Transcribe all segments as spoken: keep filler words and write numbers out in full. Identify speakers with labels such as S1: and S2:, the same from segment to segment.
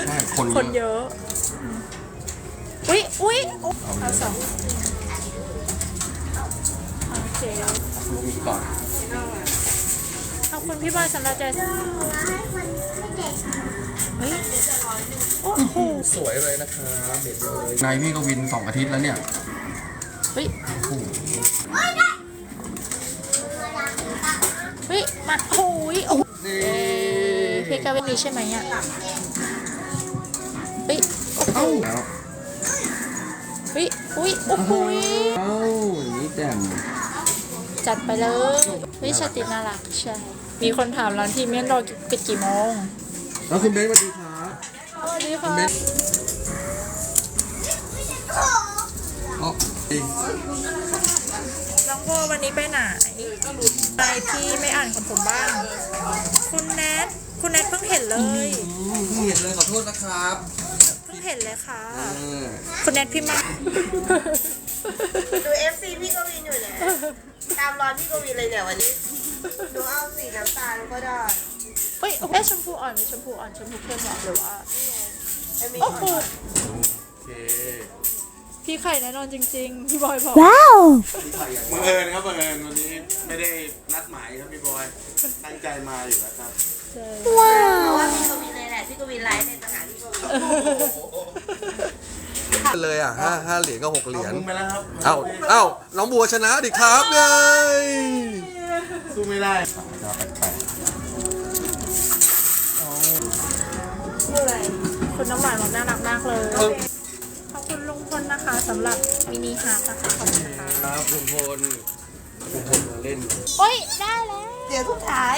S1: ช่คน
S2: คนเยอะอุ้ยอุ้ยเอาสองโอเค
S1: ลูกมีก่อน
S2: ขอบคุณพี่บอยสำหรับใจเฮ้ยโอ้โห
S1: สวยเลยนะครับเด็ดเลยนายพี่ก็วินสองอาทิตย์แล้วเนี่ย
S2: เฮ้ยเฮ้ยมาโอ้ยโอ้พี่กาเวนมีใช่ไหมอ่ะเฮ้ย
S1: เอ้าแล้ว
S2: เฮ้ยอุ้ยโอ้โห
S1: เอ้าอย่างนี้แจ่ม
S2: จัดไปเลยเฮ้ยชาติน่ารักใช่มีคนถามร้านที่เมียนรอปิดกี่โมง
S1: แล้วคุณเบนสวัสดีครับ
S2: สวัสดีค่ะ
S1: อ๋อ
S2: น้องโบวันนี้ไปไหนไปพี่ไม่อ่านของผมบ้างคุณแนทคุณแนทเพิ่งเห็นเลย
S1: เพิ่งเห็นเลยขอโทษนะครับ
S2: เพิ่งเห็นเลยค่ะ
S1: เออ
S2: คุณแนทพี่มา
S3: ดู เอฟ ซี พี่กวินอยู่เนี่ยตามรอนพี่กวินเลยเนี่ยวันนี้ดูเอาสีน้ำตาลก็ได้
S2: เฮ้ยเอ๊ะชมพูอ่อนมีชมพูอ่อนชมพูเข้มหรือว่า
S3: ไอ้มี
S2: โอ้โห
S1: โอเค
S2: พี่ไข่แน่นอนจริงๆพี่บอยบอก
S4: บังเอิญครับบังเอิญวันนี้ไม่ได้นัดหมายครับพี่บอยตั้งใจมาอยู่แล้วครับ
S2: ใช่
S3: เพราะว่าพี่กวินเลยแหละพี่กวินไลฟ์ในสถานที่กวิน
S1: เลยอ่ะห้าห้าเหรียญก็หกเหรียญ
S4: เอามึงไปแล้วครับ
S1: เอ้าเอ้าน้องบัวชนะดิครับไง
S4: สู้ไม่ได้
S2: คุณน้ำหวานบอกน่ารักมากเลยขอบคุณลุงพลนะคะสำหรับมินิฮาร์ทนะคะขอบคุณค่ะ
S1: ครับคุณพลคุณพลมาเล่น
S2: โอ้ยได้แล้ว
S3: เดี๋ยวทุกท้าย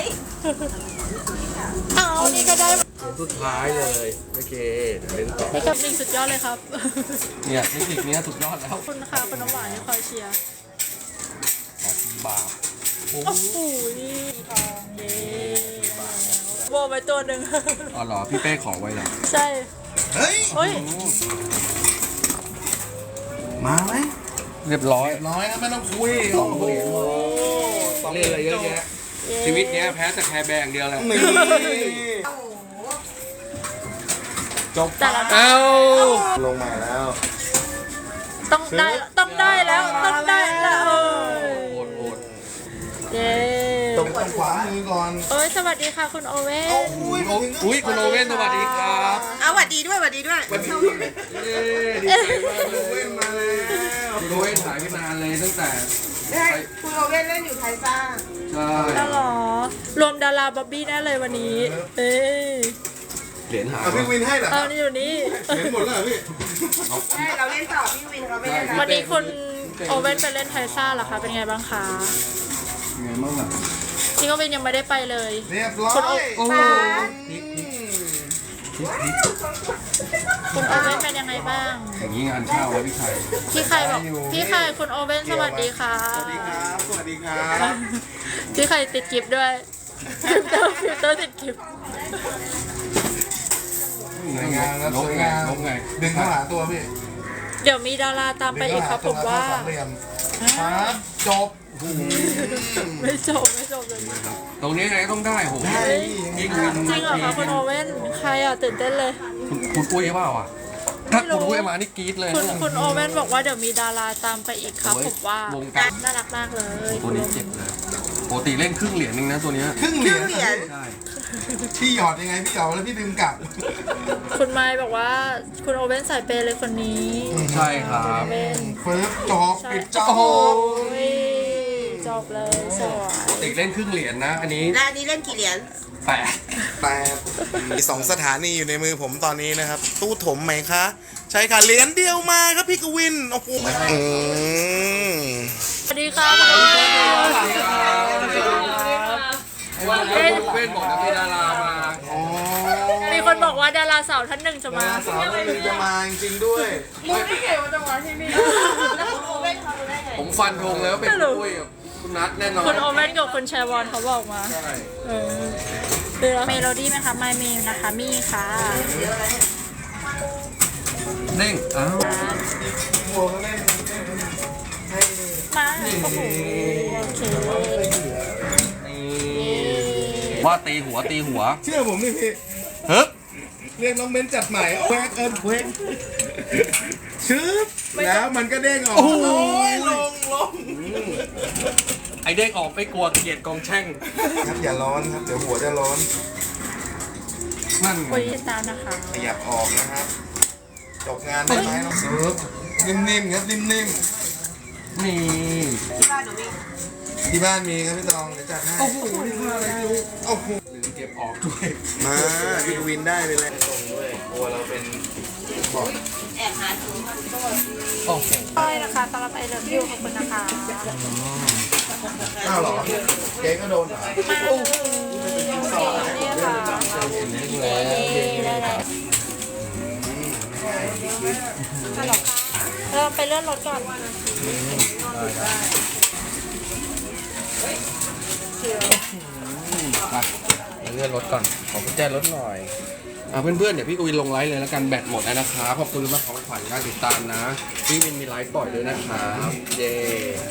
S2: เอานี่ก็ได้
S1: สุดท้ายเลยโอเคเดี๋ยวเล่นต่อ
S2: นี่กับนี่สุดยอดเลยครับ
S1: เนี่ยเทคนิคเนี้ยสุดยอดแล้ว
S2: ขอบคุณค่ะคุณน้ำหวานที่คอยเชียร์
S1: บาปโอ้
S2: โอ้โหนี่ทองเย้โบไปตัวหนึ่ง
S1: อ๋อเหรอพี่เป้ขอไว้เหรอ
S2: ใช่
S4: เฮ้ย
S2: เฮ้ย
S4: มาไหม
S1: เรียบร้อย
S4: น้อยครับไม่ต้องคุย
S1: สองเหรียญพอเล่นอะไรเยอะแยะชีวิตเนี้ยแพ้แต่แคร์แบงค์เดียวแหละ
S4: นี่
S1: จบ
S2: แต่ละ
S1: เอ้า
S4: ลงมาแล้ว
S2: ต้องได้ต้องได้แล้วต้องได้แล้วเอ้ย
S1: โหดโหด
S2: เย้
S4: ตรงขวามือก่อน
S2: เอ้ยสวัสดีค่ะคุณโอเว่น
S4: อุ้ย
S1: อุ้ยคุณโอเว่นสวัสดีครับ
S3: เอาหวัดดีด้วยหวัดดีด้วย
S1: วันนี้เย้ดีใจมากเลย
S4: เว้นมาแล้ว
S1: คุณโอเว่นถ่ายไปนานเลยตั้งแต่
S3: ใช่คุณโอเว่นเล่นอยู่ไทยซ่า
S1: ใช่
S2: แล้วเหรอรวมดาราบ๊อบบี้แน่เลยวันนี้เอ้ย
S1: เหรียญหาย
S4: เอาพี่วินให้เหรอค
S2: เอา
S4: รับ
S2: นี่อยู่นี่
S4: เห็นหมดแล้วเหรอพี่
S3: ใช่เราเล่นต่อพี่วินเขาไม่เล่น
S2: วันนี้คุณโอเว่นไปเล่นไทซ่าเหรอคะเป็นไงบ้างคะ
S1: ไงบ้างอ่ะ
S2: พี่โอเว่นยังไม่ได้ไปเลย
S4: เรียบร้อย
S1: โอ้
S2: คุณโอเว่นเป็นยังไงบ้าง
S1: อย่างนี้งานเข้าแล้วพี่ชัย
S2: พี่ไข่บอกพี่ไข่คุณโอเว่นสวัสดีค่ะ
S4: สวัสดีครับ สวัสดีครับ
S2: พี่ไข่ติดกิฟต์ด้วยฟิลเตอร์ฟิลเตอร์ติดกิฟต์
S4: สวยงามครับ
S1: ล
S4: ส
S1: บ
S4: วย
S1: ไง
S4: งาม
S1: ลบไง
S4: ดึงเข้าหาตัวพี่
S2: เดี๋ยวมีดาราตามไปอีกครับผมว่า
S4: สามเหลี่ยมครับจบ
S2: ไม่จบไม่จบเลย
S1: ตรงนี้ไงต้องได้โห
S4: ได้
S1: ยิ่งวิน
S2: จริงเหรอคะคุณโอเว่นใครอ่ะตื่นเต้นเลย
S1: คุณคุณอุ้ยเปล่าอ่ะถ้าคุณอุ้ยมานี่กรี๊ดเลย
S2: คุณ
S1: นะ
S2: คุณโอเว่นบอกว่าเดี๋ยวมีดาราตามไปอีกครับ
S1: โอ้ย
S2: ผมว่าว
S1: งการ
S2: น่ารักมากเลย
S1: ตัวนี้เจ็บเลยปกติเล่นครึ่งเหรียญนึงนะตัวเนี้ย
S4: ครึ่งเหรียญ
S1: ใช่
S4: พี่หยอดยังไงพี่หยอดแล้วพี่ดึงกลับ
S2: คุณไมค์บอกว่าคุณโอเว่นสายเปย์เลยคนนี้
S1: ใช่ครับ
S2: โอเว่น
S4: เฟิร์สจบ
S2: ใช่
S4: ปิดจ
S2: โอ้
S4: บ
S2: โหจบเลยสวย
S1: ปกติเล่นครึ่งเหรียญนะ อันนี้
S3: แล้วอันนี้เล่นกี่เหรียญ
S1: แปด
S4: แต่มีสองสถานีอยู่ในมือผมตอนนี้นะครับ ตู้ถมไหมคะ ใช่ค่ะเหรียญเดียวมาครับพี่กวิน โอ้โหอืม
S2: สวัสดีค่ะคุณโอเว่น
S1: สวัสดีครับสวัสดีครับเว้นเว้นบอกนะมีดารามา
S4: อ๋อ
S2: มีคนบอกว่าดาราสาวท่านหนึ่งจะมา
S4: สาวคนหนึงจะมาจริงๆด้วย
S3: แล้วคุณโอเว่นเขารู้ได้ไง
S1: ผมฟันธงเลยว่าเป็นคุณอุ้ยกับคุณนัทแน่นอน
S2: คุณโอเว่นกับคุณแชวอนเขาบอกมา
S1: ใช่
S2: เออเดี๋ยวเมโลดี้ไหมคะไมเมลนะคะมีค่ะ
S1: เด้งอ้าว
S4: โมเขาเล่นให้
S2: มาโอ้โหโอเค
S1: ว่าตีหัวตีหัว
S4: เชื่อผมนี่พี่
S1: เฮ้ย
S4: เรียกน้องเบนจัดใหม่แควกเอิญแควกชึบแล้วมันก็เด้งออก
S1: โอ้โห
S4: ยลงลง
S1: ไอเด้งออกไม่กลัวเกลียดกองแช่ง
S4: ครับอย่าร้อนครับเดี๋ยวหัวจะร้อน
S1: นั่นไง
S2: คุยตามนะคะ
S4: ขยับออกนะครับจบงานได้ไหมน้องเซิร์ฟนิ่มๆครับนิ่ม
S1: นี่
S3: ที่บ้านหนูมี
S4: ๆที่บ้านมีครับพี่ตองเดี๋ยวจัดให้
S1: โอ้โหนี่คืออะไรไม่รู้
S4: โอ้โห
S1: ลืมเก็บออกด้วย
S4: มาพี่กวินได้ไปเลยส่งด้วยกลัวเราเป็นบอด
S3: แอบหาถุงมันก็
S1: โอ้โห
S2: ก้อยนะคะสำหรับไอเลิฟยูขอบคุณนะคะ
S4: อ้าวเหรอเจ๊ก็โดนเหรอ
S2: มาเลยนี่ค่ะเย้ได้เลยฮัลโหลค่ะเราไปเลื่อนรถก่อน
S1: ไปเลื่อนรถก่อน ขอกุญแจรถหน่อย อ่าเพื่อนๆ เดี๋ยวพี่กวินลงไลฟ์เลยแล้วกันแบตหมดแล้วนะครับขอบคุณมากของขวัญการติดตามนะ พี่วินมีไลฟ์ปล่อยด้วยนะครับ เย้